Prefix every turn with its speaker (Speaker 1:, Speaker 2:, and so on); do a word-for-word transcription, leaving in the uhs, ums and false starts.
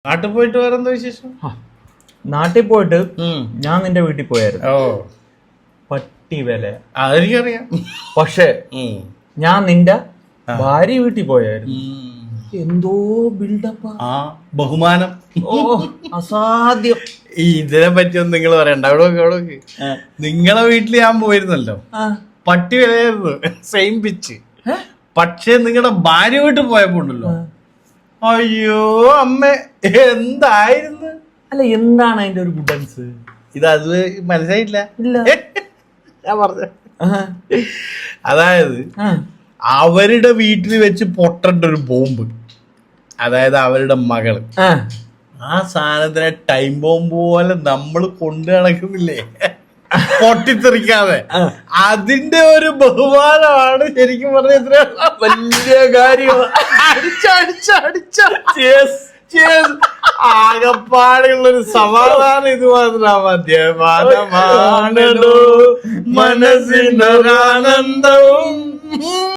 Speaker 1: നാട്ടിൽ പോയിട്ട് വേറെന്താ വിശേഷം?
Speaker 2: നാട്ടിൽ പോയിട്ട് ഞാൻ നിന്റെ വീട്ടിൽ പോയായിരുന്നു.
Speaker 1: ഓ
Speaker 2: പട്ടി വില
Speaker 1: അതെനിക്കറിയാം.
Speaker 2: പക്ഷെ ഞാൻ നിന്റെ ഭാര്യ വീട്ടിൽ പോയായിരുന്നു. എന്തോ ബിൽഡപ്പാ,
Speaker 1: ആ ബഹുമാനം,
Speaker 2: ഓ അസാധ്യം.
Speaker 1: ഇതിനെ പറ്റിയൊന്നും നിങ്ങൾ പറയണ്ട. അവിടെ നോക്ക്, അവിടെ നോക്ക്. നിങ്ങളെ വീട്ടിൽ ഞാൻ പോയിരുന്നല്ലോ, പട്ടി വിലയായിരുന്നു, സെയിം പിച്ച്. പക്ഷെ നിങ്ങളുടെ ഭാര്യ വീട്ടിൽ പോയപ്പോ ഉണ്ടല്ലോ, അയ്യോ അമ്മ എന്തായിരുന്നു.
Speaker 2: അല്ല, എന്താണ് അതിന്റെ ഒരു ഗുഡൻസ്?
Speaker 1: ഇത് അത് മനസ്സിലായില്ല.
Speaker 2: ഇല്ല,
Speaker 1: ഞാൻ പറഞ്ഞ അതായത് അവരുടെ വീട്ടിൽ വെച്ച് പൊട്ടേണ്ട ഒരു ബോംബ്, അതായത് അവരുടെ മകള്, ആ സാധനത്തിനെ ടൈം ബോംബ് പോലെ നമ്മൾ കൊണ്ടു നടക്കുന്നില്ലേ പൊട്ടിത്തെറിക്കാതെ, അതിന്റെ ഒരു ബഹുമാനമാണ് ശരിക്കും പറഞ്ഞ ഇത്ര
Speaker 2: വലിയ കാര്യം.
Speaker 1: ആകപ്പാടുള്ളൊരു സമാധാനം ഇത് മാത്രം മദ്യപാനമാണോ മനസ്സിനൊരാനന്ദവും.